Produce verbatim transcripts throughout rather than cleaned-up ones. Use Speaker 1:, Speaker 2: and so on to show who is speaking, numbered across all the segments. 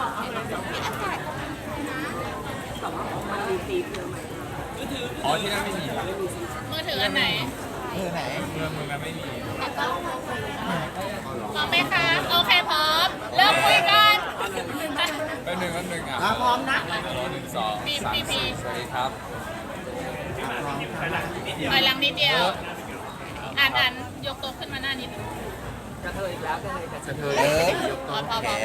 Speaker 1: มีอากาศนะ
Speaker 2: แต่ว่ามันมีตีเพื่อไหม
Speaker 3: อ๋อที่นั่นไม่มีเหรอ
Speaker 4: มือถืออันไหน
Speaker 5: เออไหน
Speaker 3: เมืองเมืองนั้นไม่มี
Speaker 1: แต่ก็พอคุยได้
Speaker 4: พร้อมไหมคะ โอเคพร้อม เริ่มคุยกัน
Speaker 3: แป๊บหนึงแป๊บหนึงอ่ะ
Speaker 5: อ่ะพร้อมนะ
Speaker 3: หนึ่งสองสามสี่สวัสดีครับ
Speaker 5: พร้อมค่ะ
Speaker 4: ถอยหลังนิดเดียว อ่านอ่านยกตัวขึ้นมาหน้านิดนึง
Speaker 2: กระเทยอีกแล้วกระเทยกระเทย
Speaker 5: เธอเอ๊ะ
Speaker 4: พอพอ
Speaker 5: โอ
Speaker 4: พอ
Speaker 5: เค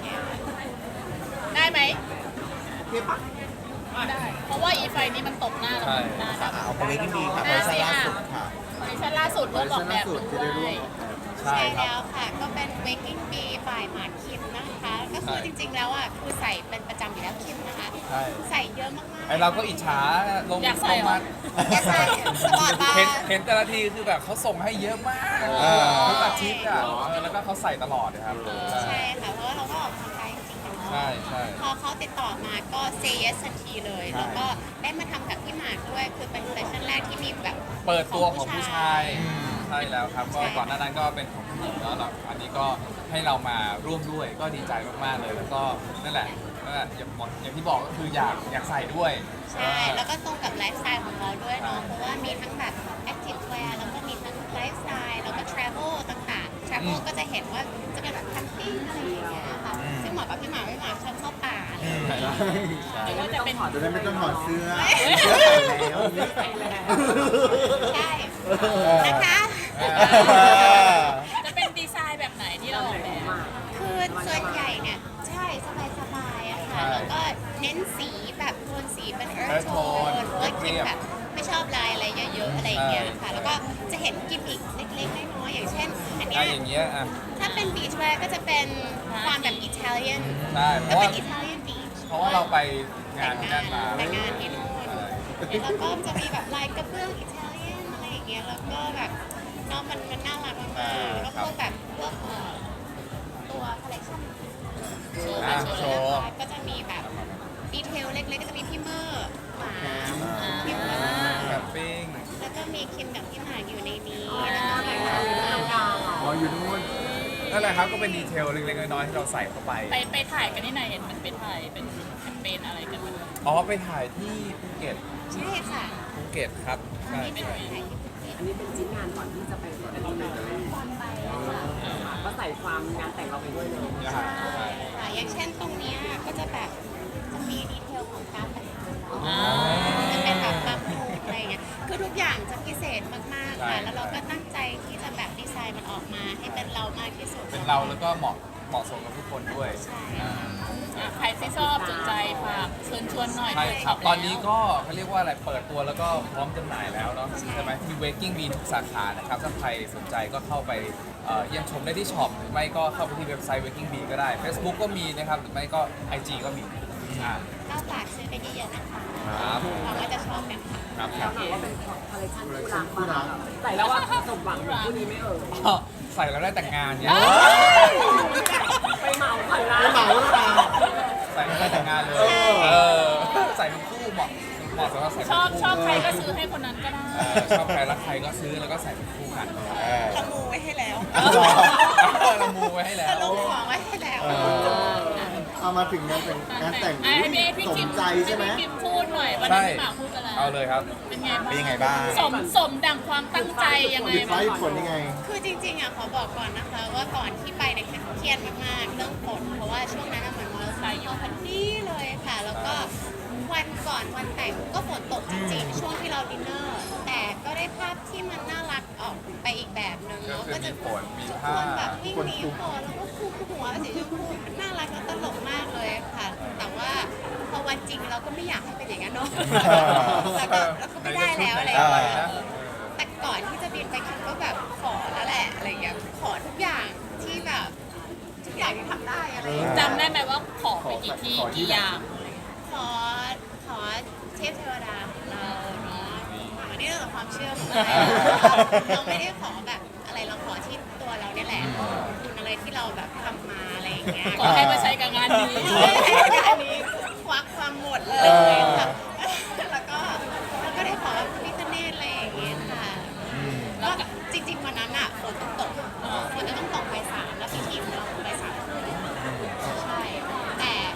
Speaker 4: ได้ไหม
Speaker 5: เพียบปะ
Speaker 4: ได้ เพราะว่าอีไฟนี้มันตกหน้าเราได้
Speaker 5: ค่ะเอาไปไว้ที่ดีค่ะเวอร์ชันล่าสุดค่ะ
Speaker 4: เวอร์ชันล่าสุดร่วมออกแบบด้วย
Speaker 3: ใช่
Speaker 1: ใช่
Speaker 3: ครับ
Speaker 1: แล้วค่ะ ก็เป็น Waking Bee by หมากคิมนะคะ ก็คือจริงๆแล้วอ่ะคือใส่เป็นประจำอยู่แล้วคิมนะคะ
Speaker 3: ใช่
Speaker 1: ใส่เยอะมากๆ
Speaker 3: ไอเราก็อิจฉาลง
Speaker 4: อยากใส่เหรอ
Speaker 3: มา
Speaker 1: อย่าใส่สปอร์ตบา
Speaker 3: เห็น
Speaker 1: ร์
Speaker 3: เห็นแต่ละทีคือแบบเขาส่งให้เยอะมาก
Speaker 5: เออ
Speaker 3: ทุกอาทิตย์อ่ะเออแล้วก็เขาใส่ตลอดนะครับ
Speaker 1: ใช่ค่ะ เพราะว่าเราก็ออกกำลังกายจริงๆเนาะ
Speaker 3: ใช่ใช่
Speaker 1: พอเขาติดต่อมาก็ say yes ทันทีเลย
Speaker 3: ใช่
Speaker 1: แล้วก็ได้มาทำกับพี่หมากด้วย คือเป็นเซสชั่นแรกที่มีแบบ
Speaker 3: เปิดตัวของผู้ชาย
Speaker 5: อืม
Speaker 3: ใช่แล้วครับก็ก่อนหน้านั้นก็เป็นของผู้หญิงแล้วเราอันนี้ก็ให้เรามาร่วมด้วยก็ดีใจมากๆเลยแล้วก็นั่นแหละนั่นแหละอย่างบอกอย่างที่บอกก็คืออยากอยากใส่ด้วย
Speaker 1: ใช่ แล้วก็ตรงกับไลฟ์สไตล์ของเราด้วยเนาะ เพราะว่ามีทั้งแบบ active wear แล้วก็มีทั้งไลฟ์สไตล์ แล้วก็ travel ต่างๆ travel ก็จะเห็นว่าจะเป็นแบบแคมปิ้งอะไรอย่างเงี้ยค่ะ ซึ่งเหมาะกับพี่หมากพี่หมากชอบเข้าป่าอะไรอย่างเงี้ย
Speaker 4: หรือว่าจะเป็น
Speaker 5: จะได้ไม่ต้องถอดเสื้อ
Speaker 1: เฮ้ย
Speaker 5: เสื้อใส่แล้ว
Speaker 1: ใช่นะคะ
Speaker 4: จะเป็นดีไซน์แบบไหนที่เราออกแบบ
Speaker 1: คือส่วนใหญ่เนี่ย ใช่สบายๆอะค่ะ แล้วก็เน้นสีแบบโทนสีเป็น earth
Speaker 3: Earth
Speaker 1: tone
Speaker 3: tone
Speaker 1: เพราะว่าคิดแบบไม่ชอบลายอะไรเยอะๆอะไรอย่างเงี้ยค่ะ แล้วก็จะเห็นกิมมิคเล็กๆน้อยๆอย่างเช่น อันเนี้
Speaker 3: อ่ะ
Speaker 1: ย
Speaker 3: อย่างเงี้ยอ่ะ
Speaker 1: ถ้าเป็น beach wear ก็จะเป็นความแบบอิตาเลียน
Speaker 3: ใช่เพ
Speaker 1: ก็
Speaker 3: ราะ
Speaker 1: เป็
Speaker 3: ว่าน
Speaker 1: อิตาเลียน beach
Speaker 3: เพราะว่าเราไปงา
Speaker 1: แต่
Speaker 3: น
Speaker 1: ง
Speaker 3: ที่
Speaker 1: งา
Speaker 3: นั่
Speaker 1: น
Speaker 3: นมา
Speaker 1: แต่งงานที่นู่น
Speaker 3: ใช่
Speaker 1: แล้วก็จะมีแบบลายกระเบื้องอิตาเลียนอะไรอย่างเงี้ย แล้วก็แบบเนาะมันมันน่ารักมากๆแล้วก็พวกแบบพวกเอ่อตัวคอลเลคชั่น
Speaker 4: โชว์
Speaker 3: อ่ะ
Speaker 4: ค่ะโช
Speaker 3: โช
Speaker 4: ว์
Speaker 3: ว์
Speaker 1: ก็จะมีแบบดีเทลเล็กๆ ก็จะมีพี่เมอร์หมา
Speaker 4: อ่า
Speaker 1: พี่เมอร์
Speaker 3: แคมปิ้ง
Speaker 1: แล้วก็มีคิมกับพี่หมากอยู่ในนี้แล้วก็มีแบบ
Speaker 5: อ๋ออยู่นู่น
Speaker 3: นั่นแหละครับก็เป็นดีเทลเล็กๆน้อยๆที่เราใส่เข้าไป
Speaker 4: ไปไปถ่ายกันที่ไหนเห็นมันไปถ่ายเป็นแคมเปญอะไรกันมัน
Speaker 3: อ๋อไปถ่ายที่ภูเก็ต
Speaker 1: ใช่ค่ะ
Speaker 3: ภูเก็ตครับใช่
Speaker 1: นี่เป็นถ่ายที่ภูเก็ต
Speaker 2: อันนี้เป็นชิ้นงานก่อนที่จะไปอันนี้เลย
Speaker 1: ตอนไปอะค่ะ
Speaker 2: ก็ใส่ความงานแต่งเราไปด้วยเลย
Speaker 3: นะฮะใช่
Speaker 1: ค่ะอย่างเช่นตรงเนี้ยก็จะแบบจะมีดีเทลของการแต่งงานเรา
Speaker 4: อ่า
Speaker 1: จะเป็นแบบบางโครงอะไรอย่างเงี้ยคือทุกอย่างจะพิเศษมากๆค่ะแล้วเราก็ตั้งใจที่จะแบบดีไซน์มันออกมาให้เป็นเรามากที่สุด
Speaker 3: เป็นเราแล้วก็เหมาะเหมาะสมกับทุกคนด้วย
Speaker 1: ใช่
Speaker 3: อ่า
Speaker 4: อ่ะใครที่ชอบสนใจฝากเชิญชวนหน่อย
Speaker 3: ใช่ครับ
Speaker 4: เปิด
Speaker 3: ตอนนี้ก็เขาเรียกว่าอะไร เปิดตัวแล้วก็พร้อมจำหน่ายแล้วเนาะใช่ไหมที่ Waking Bee ทุกสาขานะครับ ถ้าใครสนใจก็เข้าไปเอ่อเยี่ยมชมได้ที่ช็อปหรือไม่ก็เข้าไปที่เว็บไซต์ Waking Bee ก็ได้ Facebook ก็มีนะครับ หรือไม่ก็ ไอ จี ก็มีอ่า
Speaker 1: ก็ฝากซื้อไปเยอะๆนะคะ
Speaker 3: ครับ
Speaker 1: หวังว่าจะชอบกันค่ะ
Speaker 3: ครับค
Speaker 2: แล้
Speaker 3: รั
Speaker 2: ว
Speaker 3: บ
Speaker 2: ถามว่าเป็นคอลเลคชันคู่รักป่ะใส่แล้วว่าสมหวังเหมือนคู่นี้ไม่เอ่ย
Speaker 3: ก็ใส่แล้วได้แต่งงานเนี่ย
Speaker 2: ไปเหมาก่อนนะ
Speaker 5: ไปเหมาแล้วนะ
Speaker 3: ใส่แล้วได้แต่งงานเลย เออ ใส่เป็นคู่เหมาะเหมาะสำหรับใส่เป็น
Speaker 4: ชอบ
Speaker 3: คู่
Speaker 4: ชอบใครก็ซื้อให้คนนั้นก็ได้
Speaker 3: เออชอบใครรักใครก็ซื้อแล้วก็ใส่เป็นคู่กัน
Speaker 5: เออ
Speaker 1: เรามูไว้ให้แล้ว
Speaker 3: เออเรามูไว้ให้แล้ว
Speaker 1: เราลงของไว้ให้แล้ว
Speaker 5: เออเอามาถึงงานแต่งงานแต่ง
Speaker 4: ไอ้พี่พี่
Speaker 5: สม
Speaker 4: คิม
Speaker 5: ใจใช่ไหม
Speaker 4: พี่คิมพูดหน่อยวัน
Speaker 3: ใช่
Speaker 4: นี้พี่หมากพูดไปแล้ว
Speaker 3: เอาเลยครับ
Speaker 4: เป็นไง
Speaker 5: เป็นยังไง
Speaker 4: บ้าง
Speaker 5: บ้าง
Speaker 4: สมสมดังความตั้งใจยังไง
Speaker 5: หยุดไฟ
Speaker 4: บ้าง
Speaker 5: ผลยังไง
Speaker 1: คือจริงๆอ่ะขอบอกก่อนนะคะ ว่าก่อนที่ไปเนี่ยเครียดมากๆเรื่องฝนเพราะว่าช่วงนั้นอะเหมือนมอเตอร์ไซค์อยู่พอดีเลยค่ะ แล้วก็วันก่อนวันแต่งก็ฝนตกจริงๆ ช่วงที่เราดินเนอร์ แต่ก็ได้ภาพที่มันน่ารักออกไปอีกแบบหนึ่งเนาะ
Speaker 3: ก็คือ
Speaker 1: ก็จะ
Speaker 3: มีฝนมี
Speaker 1: ทุกค
Speaker 3: ผ้า
Speaker 1: นแบบวิ่งหนีฝนแล้วก็คูหัวสีชมพูมันน่ารักและตลกมากเลยค่ะ แต่ว่าพอวันจริงเราก็ไม่อยากให้เป็นอย่างนั้นเนาะแล้วก็แล้วก็ไม่ได้แล้วอะไรอย่างเงี้ย
Speaker 3: นะ
Speaker 1: แต่ก่อนที่จะบินไปคิดก็แบบขอแล้วแหละอะไรอย่างเงี้ยขอทุกอย่างที่แบบทุกอย่างที่ทำได้อะไรอย่างเงี้ย
Speaker 4: จำได้ไหมว่าขอไปกี่ที่
Speaker 5: ขอที่
Speaker 4: กี่อย่าง
Speaker 1: ขอขอเทพเทวดาของเราเนาะอันนี้เรื่องของความเชื่อของเราเราไม่ได้ขอแบบอะไรเราขอที่ตัวเราเนี่ยแหละคุณอะไรที่เราแบบทำมาอะไรอย่างเงี้ย
Speaker 4: ขอให้มาใช้กับงานนี้
Speaker 1: อันนี้ควักความหมดเลยค่ะแล้วก็แล้วก็ได้ขอพระพิฆเนศอะไรอย่างเงี้ยค่ะก็จริงๆวันนั้นอ่ะฝนต้องตกฝนจะต้องตกไปสามแล้วพิธีของเราไปสามคืนใช่แต่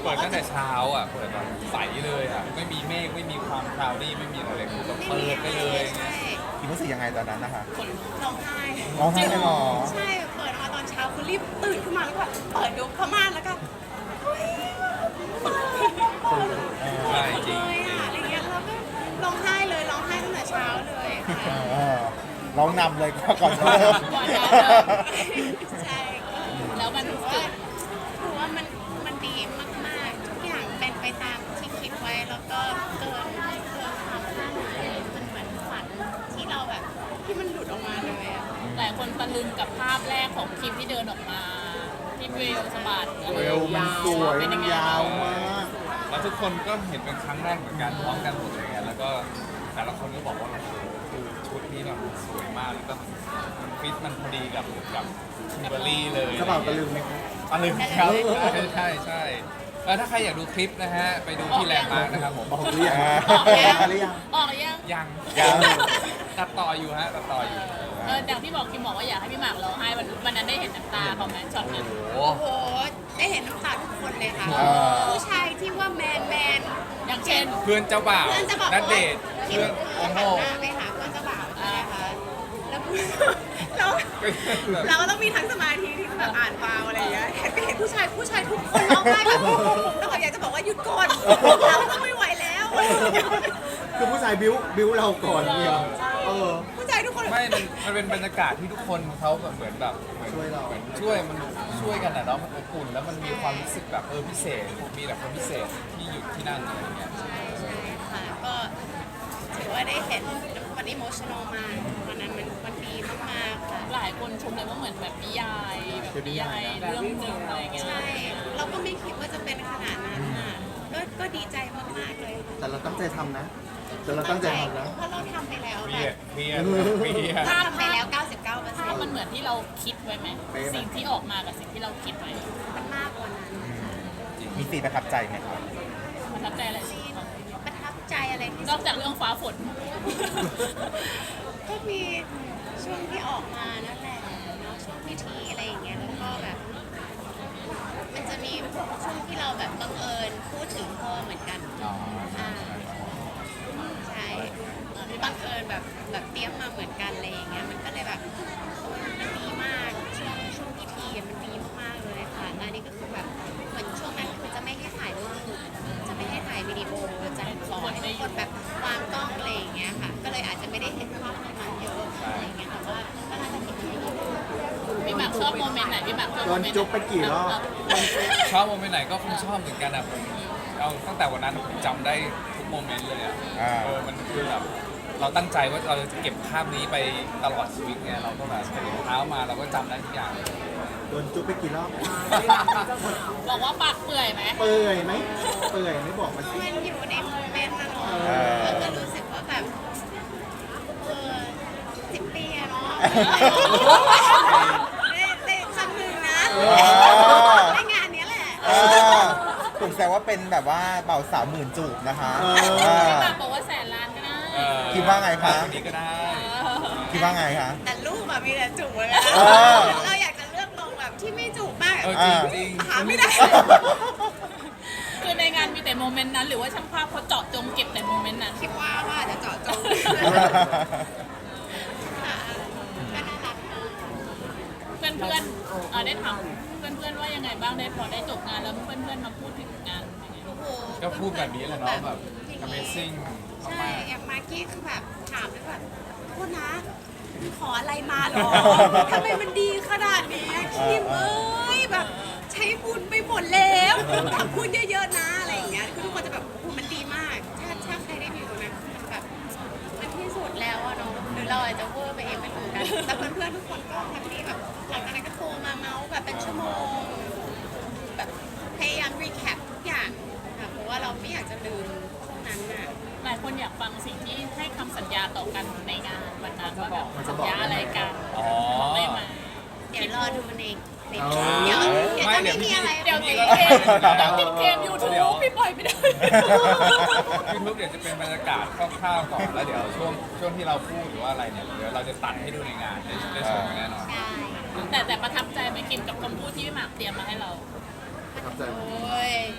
Speaker 3: เปิดตั้งแต่เช้าอ่ะเปิดแบบใสเลยอ่ะไม่มีเมฆไม่มีความคลาวดี้ไม่มีอะไรเลยคือแบบเปิดไปเลย
Speaker 1: ใช่
Speaker 6: คิมรู้สึกยังไงตอนนั้นนะคะ
Speaker 1: ร้องไห้
Speaker 6: ร้องไห้เลยเหรอ
Speaker 1: ใช่เปิดมาตอนเช้าคือรีบตื่นขึ้นมาแล้วก็เปิดดูผ้าม่านแล้วก็เฮ้ยเปิดเปิด
Speaker 3: ใช่จริง
Speaker 1: เลยอ่ะอะไรเงี้ยแล้วก็ร้องไห้เลยร้องไห้ตั้งแต่เช้าเลยค่ะ
Speaker 6: เออร้องนำเลยก่อนเริ่ม
Speaker 4: ก่อนจะเริ่ม
Speaker 1: ใช่
Speaker 4: แล้วมัน
Speaker 1: ถือว่าถือว่ามันมันดีมากๆทุกอย่างเป็นไปตามที่คิดไว้แล้วก็เกินเกินความคาดหมายมันเหมือนฝันที่เราแบบที่มันหลุดออกมาเลยอ่ะ
Speaker 4: หลายคนตะลึงกับภาพแรกของคิมที่เดินออกมาที่เวลสะบัด
Speaker 5: เวลมันสวยมันยาวมาก
Speaker 3: แล้วทุกคนก็เห็นเป็นครั้งแรกเหมือนกันพร้อมกันหมดเลยไงแล้วก็แต่ละคนก็บอกว่าโอ้โหคือชุดนี้แบบสวยมากแล้วก็มันฟิตมันพอดีกับกับคิมเบอร์รี่เลย
Speaker 5: กระเป๋าตะลึงไหมครับ
Speaker 3: ตะลึงครับใช่ใช่ใช่แล้วถ้าใครอยากดูคลิปนะฮะไปดูที่แลนด์มาร์คนะครับผม
Speaker 5: บอกหรือยัง
Speaker 4: ออกยัง
Speaker 5: มาหรือยัง
Speaker 4: ออกยัง
Speaker 3: ยัง
Speaker 6: ยัง
Speaker 3: ตัดต่ออยู่ฮะตัดต่ออยู่
Speaker 4: เอออย่างที่บอกคิมบอกว่าอยากให้พี่หมากร้องไห้วันวันนั้นได้เห็นน้ำตาเขาไหมช็อตนั้น
Speaker 3: โอ้โห
Speaker 1: โอ้โห ได้เห็นน้ำตาทุกคนเลยค่ะ
Speaker 6: อ่า
Speaker 1: ผู้ชายที่ว่าแมนแมน
Speaker 4: อย่างเช่น
Speaker 3: เพื่อนเจ้าบ่าว
Speaker 1: เพื่อนจะบอก
Speaker 3: นั
Speaker 1: ว่า
Speaker 3: ดเดท
Speaker 1: คิด
Speaker 3: เพื่อน
Speaker 1: หั
Speaker 3: โอ้โห
Speaker 1: นหน้าไปหาเพื่อนเจ้าบ่าวใช่ไหมคะแล้วเราเราก็ต้องมีทั้งสมาธิที่แบบอ่านฟาวอะไรอย่างเงี้ยเห็นไปเห็นผู้ชายผู้ชายทุกคนร้องไห้แบบแล้วก็อยากจะบอกว่าหยุดก่อนเราต้องไม่ไหวแล้ว
Speaker 5: คือผู้ชายบิ้วบิ้วเราก่อนเนี่ยเออ
Speaker 1: ผู้ชายทุกคนแบบ
Speaker 3: ไม่มันมันเป็นบรรยากาศที่ทุกคนเขาแบบเหมือนแบบเหมือน
Speaker 5: ช่วยเรา
Speaker 3: หมือนช่วยมันช่วยกันนะเนาะมันอบอุ่นแล้วมันมีความรู้สึกแบบเออพิเศษมีแต่คนพิเศษที่อยู่ที่นั่นอะไรอย่างเงี้ย
Speaker 1: ใช่ใช่ค่ะ ก็ถือว่าได้เห็นมันอิโมชั่นอลมากวันนั้นมันมันดีมากๆค่ะ
Speaker 4: หลายคนชมเลยว่าเหมือนแบบนิยายแบบนิยายเรื่องหนึ่งอะไรเงี้ย
Speaker 1: ใช่ เราก็ไม่คิดว่าจะเป็นขนาดนั้นอ่ะก็ก็ดีใจมากๆเลยค่ะ
Speaker 5: แต่เราตั้งใจทำนะ แต่เราตั้งใจทำนะ
Speaker 1: เพราะเราทำไปแล้ว
Speaker 3: เค
Speaker 1: แบ
Speaker 3: รียด
Speaker 1: บ
Speaker 3: เครียดเครียด
Speaker 1: ทำไปแล้ว เก้าสิบเก้าเปอร์เซ็น
Speaker 4: ภาพ
Speaker 1: ต์
Speaker 4: มันเหมือนที่เราคิดไว้ไหม
Speaker 5: เป๊ะไหม
Speaker 4: สิ่งที่ออกมากับสิ่งที่เราคิดไว้
Speaker 1: มันมากกว่านั้น
Speaker 6: มีซีนประทับใจไหมครับ
Speaker 4: ประทับใจอะไร
Speaker 1: ซีนประทับใจอะไรที่
Speaker 4: น
Speaker 1: สุ
Speaker 4: อก
Speaker 1: ด
Speaker 4: จากเรื่องฟ้าฝน
Speaker 1: ก็มีช่วงที่ออกมานั่นแหละเนาะช่วงพิธีอะไรอย่างเงี้ยแล้วก็แบบ มันจะมีช่วงที่เราแบบบังเอิญพูดถึงพ่อเหมือนกัน
Speaker 3: อ๋อ
Speaker 1: อ่าใช่บังเอิญแบบแบบเตรียมมาเหมือนกันอะไรอย่างเงี้ยมันก็เลยแบบมันดีมากช่วงช่วงพิธีอะมันดีมากๆเลยค่ะแล้วอันนี้ก็คือแบบเหมือนช่วงนั้นคือจะไม่ให้ถ่ายรูปจะไม่ให้ถ่ายวิดีโอจะขอให้ทุกคนแบบวางกล้องอะไรอย่างเงี้ยค่ะ ก็เลยอาจจะไม่ได้เห็นภาพตรงนั้นเยอะอะไรอย่างเงี้ยแต่ว่าก็น่าจะเห็นได้ดี
Speaker 4: พี่หมากชอบโมเมนต์ไหนพี่หมากชอบ
Speaker 5: โด
Speaker 4: โม
Speaker 5: น
Speaker 4: เมนต์
Speaker 5: จุ๊บไปกี่รอบ
Speaker 3: ชอบโมเมนต์ไหนก็คงชอบเหมือนกันอะผมเอาตั้งแต่วันนั้นผมจำได้ทุกโมเมนต์เลยอะ
Speaker 6: อ่า
Speaker 3: เออมันคือแบบเราตั้งใจว่าเราจะเก็บภาพนี้ไปตลอดชีวิตไงเราก็แบบตื่นเช้ามาเราก็จำได้ทุกอย่างเลย
Speaker 5: โดนจุ๊บไปกี่รอบ
Speaker 4: บอกว่าปากเปื่อยไหม
Speaker 5: เปื่อยไหมเปื่อยไหม่บอกมาสิ
Speaker 1: มันอยู่ในโมเมนต์นะเนาะ
Speaker 5: เออ
Speaker 1: แล้วก็รู้สึกว่าแบบเออสิบปีอะเนาะได้ได้ครั้งหนึ่งนะได้งานเนี้ยแหละ
Speaker 6: เออถูกแซวว่าเป็นแบบว่าเบ่าวสาวหมื่นจูบนะคะ
Speaker 5: เออ
Speaker 6: เออ
Speaker 4: พี่หมากบอกว่าแสนล้านก็ได้
Speaker 3: เออ
Speaker 6: คิดว่าไงคะ
Speaker 3: ภพนี้ก็ได้
Speaker 6: คิดว่าไงคะ
Speaker 1: แต่รูปอะมีแต่จูบเลย
Speaker 6: เออ
Speaker 1: เราอยากจะเลือกลงแบบที่ไม่จูบมาก
Speaker 3: เออ
Speaker 1: อะ
Speaker 3: จริงจริง
Speaker 1: หาไม่ได้
Speaker 4: คือในงานมีแต่โมเมนต์นั้น หรือว่าช่างภาพเขาเจาะจงเก็บแต่โมเมนต์นั้น
Speaker 1: คิดว่าว่าจะเจาะจงค่ะก็น่ารักเนอะ
Speaker 4: เพื่อนเพื่อนๆเอ่อได้ถามเพื่อนเพื่อนๆว่ายังไงบ้างได้พอได้จบงานแล้วเพื่อนเพื่อนๆมาพูดถึงงานเป็นไง
Speaker 1: โอ้โห
Speaker 3: ก็พูดแบบนี้แหละเนาะแบบ Amazing
Speaker 1: ใช่
Speaker 3: มาก
Speaker 1: อย่างมากกี้คือแบบถามเลยแบบโทษนะขออะไรมาเหรอทำไมมันดีขนาดนี้อะคิมเอ้ยแบบใช้บุญไปหมดแล้วทำบุญเยอะๆนะอะไรอย่างเงี้ยคือทุกคนจะแบบโอ้โหมันดีมาก ถ้าถ้าใครได้ดูนะมันแบบมันที่สุดแล้วอะเนาะหรือเราอาจจะเวอร์ไปเองไม่รู้กันแต่เพื่อนๆทุกคนก็แฮปปี้แบบหลังจากนั้นก็โทรมาเมาส์แบบเป็นชั่วโมง แบบพยายามรีแคปทุกอย่างค่ะเพราะว่าเราไม่อยากจะลืมช่วงนั้นน่ะ
Speaker 4: หลายคนอยากฟังสิ่งที่ให้คำสัญญาต่อกันในงานวันนั้นว่าแบบสัญญาอะไรกัน
Speaker 3: อ๋อ
Speaker 4: ได้ไหม
Speaker 1: เดี๋ยวรอดูในใน
Speaker 5: อ๋อ
Speaker 1: เดี๋ยวเดี๋ยว
Speaker 3: ไม่
Speaker 1: จะ
Speaker 3: เดี๋
Speaker 1: ไม่
Speaker 3: ยว
Speaker 1: มีอะไร
Speaker 4: เดี๋ยว
Speaker 1: เล
Speaker 4: ติ
Speaker 1: ย
Speaker 4: ดเกมเดี๋ยวติดเกมยูทูบพี่ปล่อยไม่ได้
Speaker 3: ยูทูบเดี๋ยวจะเป็นบรรยากาศคร่าวๆก่อนแล้วเดี๋ยวช่วงช่วงที่เราพูดหรือว่าอะไรเนี่ยเดี๋ยวเราจะตัดให้ดูในงานได้ได้ชมกันแน่นอน
Speaker 1: ใช่
Speaker 4: แต่แต่ประทับใจไหมคิมกับคำพูดที่พี่หมากเตรียมมาให้เรา
Speaker 5: ประทับใจ
Speaker 1: โอ้ย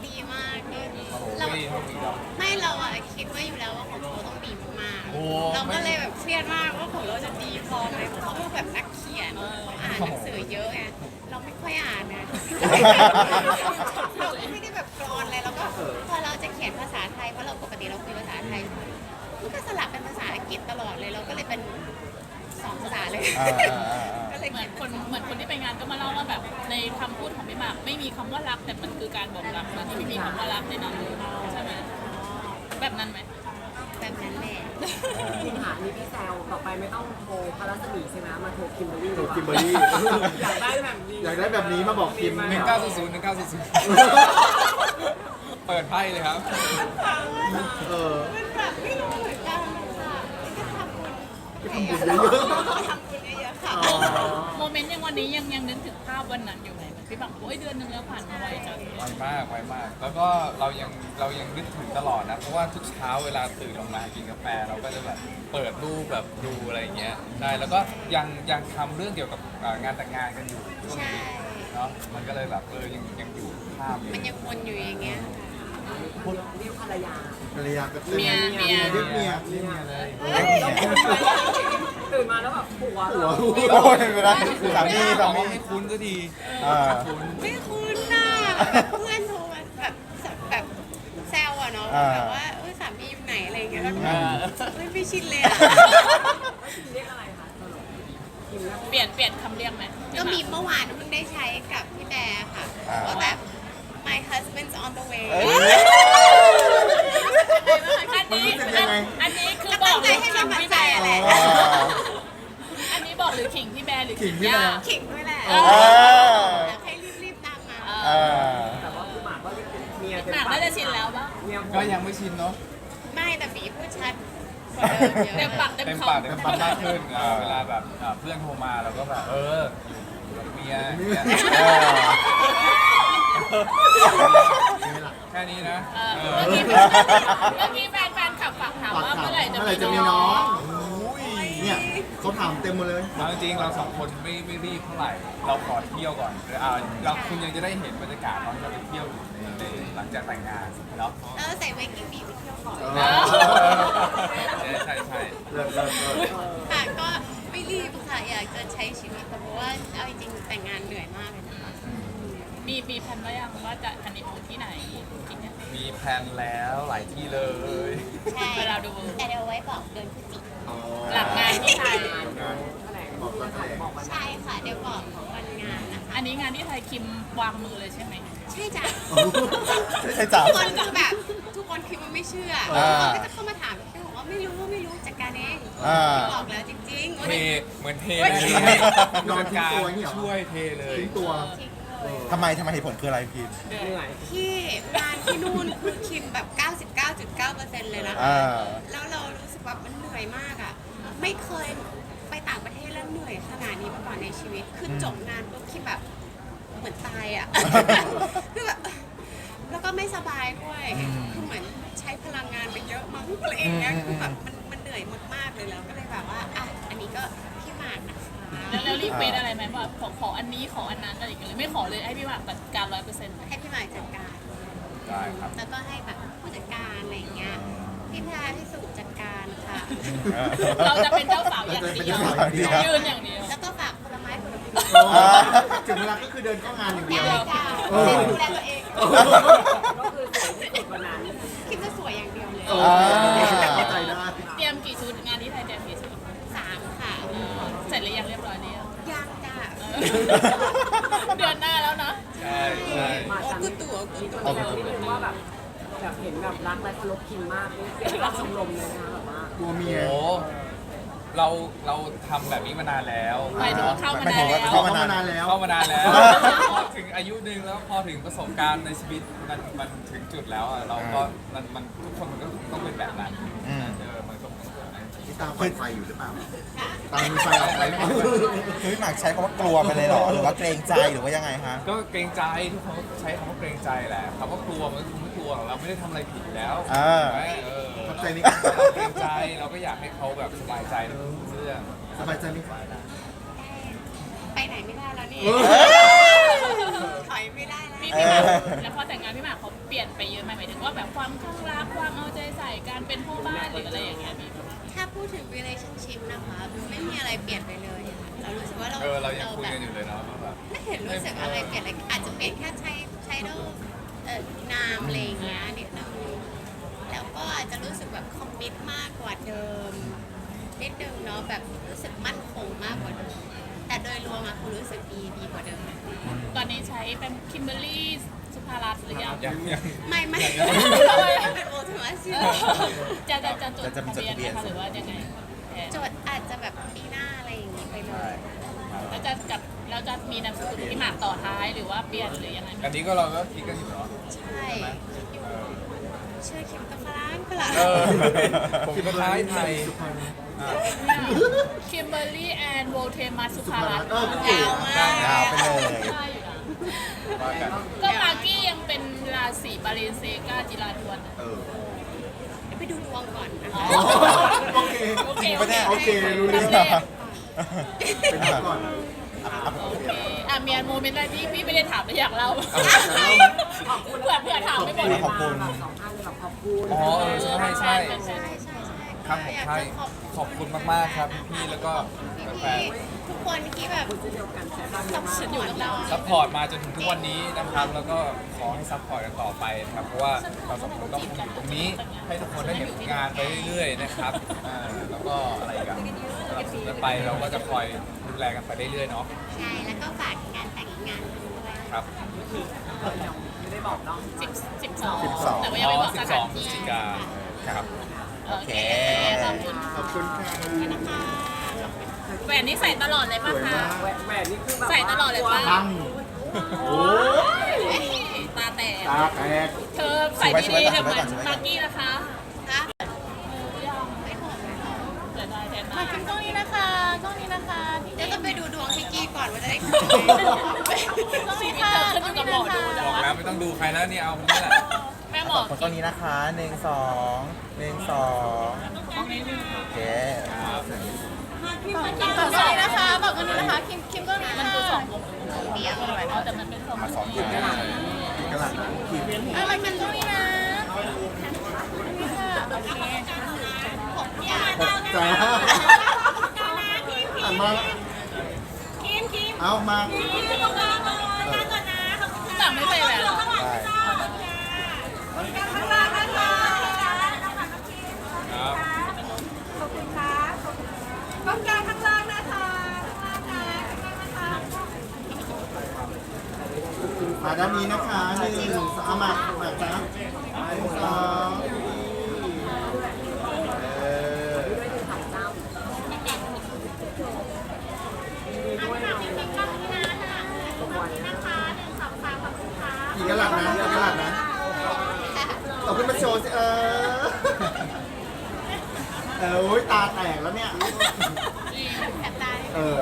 Speaker 1: ดีมากเลย
Speaker 3: โอ้โห
Speaker 1: เรา
Speaker 3: ไม่ดีเท่านี้หรอก
Speaker 1: ไม่เราอะคิดไว้อยู่แล้วว่าของเราต้องดีมาก
Speaker 3: โอ้
Speaker 1: ๆเราก็เลยแบบเครียดมากว่าของเราจะดีพอไหมเพราะเขาเป็นแบบนักเขียนเขาอ่านหนังสือเยอะไงเราไม่ค่อยอ่านนะเราก็ไม่ได้แบบกรอนอะไรแล้วก็พอเราจะเขียนภาษาไทยเพราะเราปกติเราคุยภาษาไทยมันก็สลับเป็นภาษาอังกฤษตลอดเลยเราก็เลยเป็นสองภาษาเลย
Speaker 6: อ่าอ่าอ่า
Speaker 1: ก็เลย
Speaker 4: เหมื
Speaker 1: เขี
Speaker 4: อย น
Speaker 1: น
Speaker 4: คนเหมือนคนที่ไปงานก็มาเล่าว่าแบบในคำพูดของพี่หมากไม่มีคำว่ารักแต่มันคือการบอกรักนะที่ไม่มีคำว่ารักในนั้นใช่ไหมแบบนั้นไหม
Speaker 1: แบบนั้นแหละ
Speaker 2: จริงค่ะนี่พี่แซวต่อไปไม่ต้องโทรพารัศมีใช่ไหมมาโทรคิมเบอร์รี่
Speaker 5: โทรคิมเบอร์รี่
Speaker 2: อยากได้แบบนี้
Speaker 5: อยากได้แบบนี้มาบอกคิม
Speaker 3: หนึ่งเก้าศูนย์ศูนย์หนึ่งเก้าศูนย์ศูนย์เปิดไพ่เลยครับ
Speaker 5: เออ
Speaker 1: มันแบบไม่รู้เหมือนกันค่ะก็ทำบุญ
Speaker 5: ทำบุญเยอะๆ
Speaker 1: ทำบุญเยอะๆค่ะ
Speaker 5: อ๋อ
Speaker 4: โมเมนต์ยังวันนี้ยังยังนึกถึงภาพวันนั้นอยู่ไหมพี่บังโอ้ยเดือนหนึงแล้วผ่านมาไวจัง
Speaker 3: ไวมากไวมาก แล้วก็เรายังเรายังนึกถึงตลอดนะ เพราะว่าทุกเช้าเวลาตื่นออกมากินกาแฟเราก็จะแบบเปิดรูปแบบดูอะไรอย่างเงี้ยใช่แล้วก็ยังยังทำเรื่องเกี่ยวกับเอ่องานแต่งงานกันอยู่ช่วง
Speaker 1: ใช่
Speaker 3: นี้เนาะมันก็เลยแบบเออยังยังอยู่ภาพอยู่
Speaker 1: มันยังวนอยู่อย่างเงี้ย
Speaker 2: เรียกภรรยา
Speaker 5: ภรรยาก็
Speaker 4: เมียเมีย
Speaker 5: เรียกเมีย
Speaker 3: เรียกเมียเลย
Speaker 2: ตื่นมาแล้วแบบผัว
Speaker 5: หัว
Speaker 6: โอ้ยไม่เป็นไรสามีสา
Speaker 3: บอก
Speaker 6: มี
Speaker 3: ว่าไม่คุ้นก็ดี
Speaker 6: อ่า
Speaker 3: คุ้น
Speaker 1: ไม่คุ้นน่ะแบบเพื่อนโทรมาแบบแบบแซวอะเนาะแบบว่าเออสามีอยู่ไหนอะไรเงี้ยแล้วก็
Speaker 3: อ่า
Speaker 1: เฮ้ยไม่ชินเลยอะ
Speaker 2: เรียกอะไรคะสรุปคิมนะ
Speaker 4: เปลี่ยนเปลี่ยนคำเรียกไหม
Speaker 1: ก็มีเมื่อวานเพิ่งได้ใช้กับพี่แบร์ค่ะว่าแบบ my husband's on the way
Speaker 6: เอ้ย
Speaker 4: อันนี้
Speaker 5: มันรู้สึกยังไง
Speaker 4: อันนี้คือ
Speaker 1: ก็
Speaker 4: บอ
Speaker 1: ตั้
Speaker 4: ก
Speaker 1: งใจให้กำลังใจอะแหละ
Speaker 6: อ๋อ
Speaker 4: อันนี้บอกหรือขิงพี่แบร์หรือ
Speaker 5: ขิงพี่แบร์
Speaker 4: ย่า
Speaker 1: ขิงด้วยแหละ
Speaker 4: เอ
Speaker 1: อยากให้รีบๆตามมา
Speaker 6: เออ
Speaker 2: แต่ว่าคือหมากก็เรียกเมีย
Speaker 4: หมากน่าจะชินแล้วปะ
Speaker 2: เมียผม
Speaker 3: ก็ยังไม่ชินเนาะ
Speaker 1: ไม่แต่บีพูดชัดกว่าเดิมเยอะ
Speaker 4: เต็มปากเต็ม
Speaker 3: เต็ม
Speaker 4: คำ
Speaker 3: ปากเต็มคำมากขึ้นเอ่อเวลาแบบเอ่อเพื่อนโทรมาเราก็แบบเอออยู่กับเมียอย่างเงี้ย
Speaker 6: เออ
Speaker 3: แค่นี้นะ
Speaker 4: เออ
Speaker 3: เอ
Speaker 4: เมื่อ
Speaker 3: อ
Speaker 4: กี้เมื่อกี้แฟนแฟนขับฝากถาม
Speaker 5: ฝาก
Speaker 4: ว่า
Speaker 5: ถาม
Speaker 4: เมื่อไหร่จะ
Speaker 5: เมื่อไหร่
Speaker 4: มี
Speaker 5: จะมี
Speaker 4: น้
Speaker 5: น้
Speaker 4: อ
Speaker 5: อง
Speaker 3: อุ้ย
Speaker 5: เนี่ยเขาถามเต็มหมดเลย
Speaker 3: เอาจริงๆเราสองคนไม่ไม่รีบเท่าไหร่ เราขอเที่ยวก่อนเดี๋ยวอ่าเราคุณยังจะได้เห็นบรรยากาศตอนที่เราไปเที่ยวอยู่ในในหลังจากแต่งงานเนาะ
Speaker 1: แล้วใส่เวกิ้งบีไปเที่ยวก่อน
Speaker 5: เออ
Speaker 3: ใช่ใช่ใช่
Speaker 5: เลิศเลิศเลิศ
Speaker 1: ค่ะก็ไม่รีบค่ะอยากจะใช้ชีวิตค่ะเพราะว่าเอาจริงๆแต่งงานเหนื่อยมากเลยนะคะ
Speaker 4: มีมีแผนไว้ยังว่าจะฮันนีมูนที่ไหนที่เนี่ย
Speaker 3: มีแพลนแล้วหลายที่เลย
Speaker 1: ใช่
Speaker 4: เวลาดู
Speaker 1: แต่เดี๋ยวไว้บอกเดือนพฤศจิก
Speaker 5: อ๋อ
Speaker 4: หลังงานที่ไทย
Speaker 2: แถลงบอกวันไหนบอกวันไหน
Speaker 1: ใช่ค่ะเดี๋ยวบอกวันงานนะคะ
Speaker 4: อันนี้งานที่ไทยคิมวางมือเลยใช่ไหม
Speaker 1: ใช่จ้ะ
Speaker 6: ใช่จ้ะ
Speaker 1: ทุกคนคือแบบทุกคนคิดว่าไม่เชื่อ
Speaker 6: อ่า
Speaker 1: ทุกคนก็จะเข้ามาถามพี่บอกว่าไม่รู้ไม่รู้จัดการเอง
Speaker 6: อ่า
Speaker 1: พี่บอกแล้วจริงๆว่า
Speaker 3: เท
Speaker 1: เนี่ย
Speaker 3: เหมือนเท
Speaker 1: เฮ้ย
Speaker 3: เลย
Speaker 5: นอนทิ้งตัวอย่างนี้เหรอ
Speaker 3: ช่วยเทเลย
Speaker 5: ทิ้งตัว
Speaker 1: จริงเลย
Speaker 6: ทำไมทำไมเหตุผลคืออะไรพี่
Speaker 2: เหนื่อย
Speaker 1: ที่งานที่นู่นคือคิมแบบ เก้าสิบเก้าจุดเก้าเปอร์เซ็นต์ เลยนะคะ
Speaker 6: อ่า
Speaker 1: แล้วเรารู้สึกว่ามันเหนื่อยมากอ่ะ ไม่เคยไปต่างประเทศแล้วเหนื่อยขนาดนี้มาก่อนในชีวิต คือจบงานปุ๊บคิมแบบเหมือนตายอ่ะ คือแบบแล้วก็ไม่สบายด้วย คือเหมือนใช้พลังงานไปเยอะมั้งอะไรอย่างเงี้ย คือแบบมันมันเหนื่อยมากๆเลยแล้วก็เลยแบบว่าอ่ะอันนี้ก็พี่หมากนะคะ
Speaker 4: แล้วแล้วรีเควสอะไรไหมว่าขอขออันนี้ขออันนั้นอะไรอย่างเงี้ยเลยไม่ขอเลยให้พี่หมากจัดการร้อยเปอร์เซ็นต์
Speaker 1: ให้พี่หมากจัดการ
Speaker 3: ได้ครับ
Speaker 1: แล้วก็ให้แบบผู้จัดการอะไรอย่างเงี้ย พี่แพรพี่สุจัดการค่ะ
Speaker 4: เราจะเป็นเจ้าสาวอย่างเดียว
Speaker 6: เราจะเป็นเจ้าสาวอย่างเดียว
Speaker 4: ยืนอย่างเดียว
Speaker 1: แล้วก็ฝากผลไม้ผลไม้
Speaker 5: อ๋อถึงเวลาก็คือเดินเข้างานอย่างเดียว
Speaker 1: ได้จ้า
Speaker 5: เออ
Speaker 1: ดูแลตัวเอง
Speaker 2: ก็คือสวยที่สุดวันนั้น
Speaker 1: คิดจะสวยอย่างเดียวเลย
Speaker 5: เออเข้าใจได้
Speaker 4: เตรียมกี่ชุดงานที่ไทยเตรียมกี่ชุด
Speaker 1: สามค่ะ
Speaker 4: เสร็จหรือยังเรียบร้อยเนี่ย
Speaker 1: ยังจ้า
Speaker 4: เดือนหน้าแล้วนะ
Speaker 3: ใช่ใช่
Speaker 2: มาจากมีคนแซวนิดนึงว่าแบบแบบเห็นแบบรักและเคารพคิมมากนี่เสียงรักชมรมเลยนะคะแบบว่า
Speaker 5: ตัวเมีย
Speaker 3: โอ้เราเราทำแบบนี้มานานแล้ว
Speaker 4: หมายถึงว่าเข้ามา
Speaker 6: หมาย
Speaker 4: นา
Speaker 6: ถึ
Speaker 4: น
Speaker 6: งว่า
Speaker 4: แล้ว
Speaker 6: เข้า
Speaker 5: เข้ามานานแล้ว
Speaker 3: เข้ามานานแล้ว พอถึงอายุหนึ่งแล้วพอถึงประสบการณ์ในชีวิตมันมันถึงจุดแล้วอะเราก็มันมันทุกคนมันก็ต้องเป็นแบบนั้น
Speaker 6: อืม
Speaker 3: เออมันก็เป็นแบบนั้น
Speaker 5: นี่ตามไฟไฟอยู่หรือเปล่า ตามมีไฟออกไปหรือเปล่า
Speaker 6: คือพี่หมากใช้คำว่ากลัวไปเลยเหรอ หรือว่าเกรงใจหรือว่ายังไงฮะ
Speaker 3: ก็เกรงใจทุกคนก็ใช้คำว่าเกรงใจแหละคำว่ากลัวมันก็คงไม่กลัวหรอกเราไม่ได้ทำอะไรผิดอยู่แล้ว
Speaker 6: อ่า
Speaker 3: ใช่ไหมเออ
Speaker 5: ขอบใจนี่
Speaker 3: เราเกรงใจเราก็อยากให้เขาแบบสบายใจในทุกเรื่อง
Speaker 5: สบายใจไหม
Speaker 1: ไปไหนไม่ได้แล้วนี่
Speaker 5: เออ
Speaker 1: ถอยไม่ได้แล้ว
Speaker 4: พี่
Speaker 6: เอ
Speaker 4: พี่ห
Speaker 6: อ
Speaker 4: มากแล้วพอแต่งงานพี่หมากเขาเปลี่ยนไปเยอะไหมหมายถึงว่าแบบความข้างรักความเอาใจใส่การเป็นพ่อบ้านหรืออะไรอย่างเงี้ยพี่
Speaker 1: ถ้าพูดถึง relationship นะคะไม่มีอะไรเปลี่ยนไปเลยค่ะเรารู้สึกว่าเรา
Speaker 3: เออเรายังคุย
Speaker 1: แบ
Speaker 3: กับ นอยู่เลยเนาะว่าแบบ
Speaker 1: ไม่เห็นรู้สึกอะไรเปลี่ยนเลยอาจจะเปลี่ยนแค่ใช้ใช้ดูเอ่อนามอะไรอย่างเงี้ยนิดนึงแล้วก็อาจจะรู้สึกแบบคอมมิตมากกว่าเดิมนิดนึงเนาะแบบรู้สึกมั่นคงมากกว่าเดิมแต่โดยรวมอะคือรู้สึกดีดีกว่าเดิม
Speaker 4: ตอนนี้ใช้เป็นคิมเบอร์รี่สุภารัตน์หรือยัง
Speaker 3: ยังยัง
Speaker 1: ไม่ไม่
Speaker 3: ยัง
Speaker 1: เป็นโอทูมาซิ
Speaker 4: จะจะจะจด
Speaker 6: จะจะ
Speaker 4: ทะเบียนไหม
Speaker 6: จดทะเบียน
Speaker 4: คะหรือว่ายังไงแทน
Speaker 1: จดอาจจะแบบปีหน้าอะไรอย่างงี้ไปเลย
Speaker 4: แล้วจะกับแล้วจะมีนามสกุลพี่หมากต่อท้ายหรือว่าเปลี่ยนหรือยังไง
Speaker 3: อันนี้ก็เราก็คิดกันอยู่เนาะ
Speaker 1: ใช่อยู่ชื่อคิมกับฝรั่งฝรั่ง
Speaker 3: เออผมก็ท้ายไทย
Speaker 5: สุภาพนะ
Speaker 4: คิมเบอร์รี่แอนด์โวเทมัสสุ
Speaker 5: สุ
Speaker 4: ภา
Speaker 5: ภา
Speaker 4: รั
Speaker 5: รั
Speaker 4: ต
Speaker 5: ต
Speaker 4: น์
Speaker 5: น์เออก็เก่ง
Speaker 1: ยาวมาก
Speaker 6: ยาวไปเลย
Speaker 4: ได้อยู่นะ
Speaker 3: ว่ากัน
Speaker 4: ก็มากกี้ยังเป็นราศีบาเลนเซกาจิราดวน
Speaker 5: เออ
Speaker 1: เดี๋ยวไปดูดวงก่อนนะ
Speaker 4: อ๋อ
Speaker 1: คะ
Speaker 5: โอเค
Speaker 4: โอเค
Speaker 6: ปะเนี่ย
Speaker 5: โอเครู้เรื่อง
Speaker 4: ทำเลข
Speaker 5: เป็นแบบก่อน
Speaker 4: โอเคอ่ะเมียนโมเมนต์อะไรที่พี่ไม่ได้ถามแต่อยากเล่า
Speaker 2: ขอบคุณ
Speaker 4: เผื่อเผื่อถามไม่หมด
Speaker 6: ขอบคุณ
Speaker 2: สองท่านเลยแบบขอบคุณ
Speaker 3: อ๋อเออใช่ใช่
Speaker 1: ใช่ใช่ใช่
Speaker 3: ครับผม
Speaker 1: อยาก
Speaker 3: ใช่
Speaker 1: จะขอบ
Speaker 3: ขอบคุณมากๆครับพี่แล้วก็แฟ
Speaker 1: พี่
Speaker 3: น
Speaker 1: ๆทุกคนที่แบบ
Speaker 2: เช่นเดียวกันใช่ไหม
Speaker 1: สนับสนุนเรา
Speaker 3: ๆซัพพอร์ตมาจนถึงทุกวันนี้นะครับ แล้วก็ขอให้ซัพพอร์ตกันต่อไปนะครับเพราะว่าเราสองคนต้องคงอยู่ตรงนี้ ให้ทุกคนได้เห็นงานไปเรื่อยๆนะครับอ่าแล้วก็อะไรอีกันสนับสนุนกันไปเราก็จะคอยดูแลกันไปเรื่อยๆเนาะ
Speaker 1: ใช่แล้วก็ฝากงานแต่งอีกงานหนึ่งด้วย
Speaker 3: ครับ
Speaker 2: ไม่ได้บอกเนาะ
Speaker 4: สิบสิบสอง
Speaker 6: สิบสอง
Speaker 4: แต่ว่ายังไม่บอกส
Speaker 3: สิบส
Speaker 4: ถา
Speaker 3: อน งพฤศ
Speaker 4: ที่
Speaker 3: จิกาครับ
Speaker 4: โอเคขอบคุณ
Speaker 5: ขอบคุณค่ะ
Speaker 1: นะคะ
Speaker 4: แหวนนี่ใส่ตลอดเลย
Speaker 5: ส
Speaker 4: ป่ะ
Speaker 5: วย
Speaker 4: คะ
Speaker 5: มาก
Speaker 2: แหวนแหวนนี่คือแบบ
Speaker 4: ใส่ตลอดเลยป่ะ
Speaker 5: ปังโอ้ย
Speaker 4: เฮ้ยตาแตก
Speaker 5: ตาแตก
Speaker 4: เธอใส่ดีๆเดี๋ยวเหมือน
Speaker 6: สวยๆก่อน
Speaker 4: มากกี้นะคะ
Speaker 1: นะ
Speaker 4: เออยัง
Speaker 1: ไม่หอมไม่หอม
Speaker 4: เดี๋ยวได้แทนมาขึ้นกล้องนี้นะคะกล้องนี้นะคะที่
Speaker 1: เดี๋ยวต้องไปดูดวงพี่กี้ก่อนว่าจะได้
Speaker 4: กล้องนี้ค่ะขึ้นอยู่กับหมอดู
Speaker 3: บ
Speaker 4: นะ
Speaker 3: อกแล้วไม่ต้องดูใครแล้วนี่เอาคนนี้แหละ
Speaker 4: แม่หม
Speaker 6: ข
Speaker 4: อ
Speaker 6: อบคุณตรงนี้นะคะหนึ่งสองหนึ่งสองโอเค
Speaker 4: คิมกล้องนี้นะคะบอกกันนี้นะคะคิมคิมกล้องนี้มันคือสองวง
Speaker 1: เดียว
Speaker 4: อ๋อแต่มันเป็นสอง
Speaker 6: มาสองอย่าง
Speaker 5: กระหล่ำขีด
Speaker 4: อะไรคิมกล้องนี้นะนี่ค่ะโอเค
Speaker 1: หกอย่าง
Speaker 5: จ้าอ่ะมาเอามา
Speaker 4: พี่ต่างไม่ใส่แหวนเหรอ
Speaker 6: ได้
Speaker 3: ครับ
Speaker 5: มาด้านนี้นะคะหนึ่งสองเอามามาจ้าหนึ่งสองเออกี่กะลัดนะกี่กะลัดนะเอาขึ้นมาโชว์สิเออเออโอ้ยตาแตกแล้วเนี่ย
Speaker 1: แสบตา
Speaker 5: เออ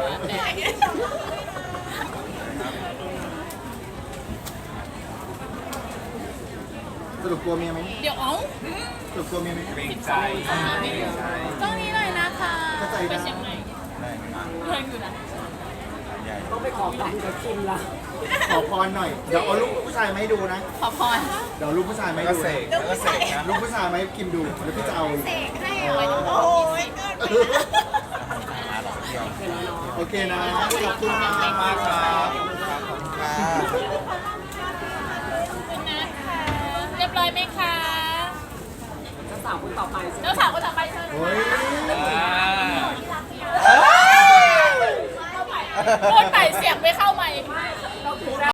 Speaker 5: สรุปกลัวเมียไหม
Speaker 4: เดี๋ยวเอ้า
Speaker 5: สรุปกลัวเมียไหม
Speaker 3: เกรงใจ
Speaker 4: กล้องนี้หน่อยนะคะ
Speaker 5: เข้าใจ
Speaker 4: ไป
Speaker 5: นะ
Speaker 4: เชียงใหม่
Speaker 6: ได้มา
Speaker 4: เพื่อนอยู่นะ
Speaker 6: ใหญ่
Speaker 2: ต้องไปขอฟังกับคิมละ
Speaker 5: ขอพรหน่อย เดี๋ยวเอาลูกผู้ชายมาให้ดูนะ
Speaker 4: ขอพร
Speaker 5: เดี๋ยวลูกผู้ชายมาให้
Speaker 3: ก็
Speaker 5: ดู
Speaker 3: เส
Speaker 5: นะ
Speaker 3: กแล้วก็เสกนะ
Speaker 5: ลูกผู้ชายมาให้กิมดู เดี๋ยวพี่จะเอา
Speaker 1: เสกให้เหรอโอ้ยเกินไปนะ
Speaker 6: มาหลอกเดียว
Speaker 5: โอเคนะ ขอบคุณมาก
Speaker 3: มากครับ
Speaker 6: ค่ะ
Speaker 4: ขอบคุณนะคะเรียบร้อยไหมคะ
Speaker 2: เจ้าสาวคนต่อไปใช่ไหม
Speaker 4: เจ้าสาวคนต่อไปเชิญ
Speaker 5: โอ้ย
Speaker 3: อ่า
Speaker 4: พูดไปเสียงไม่เข้า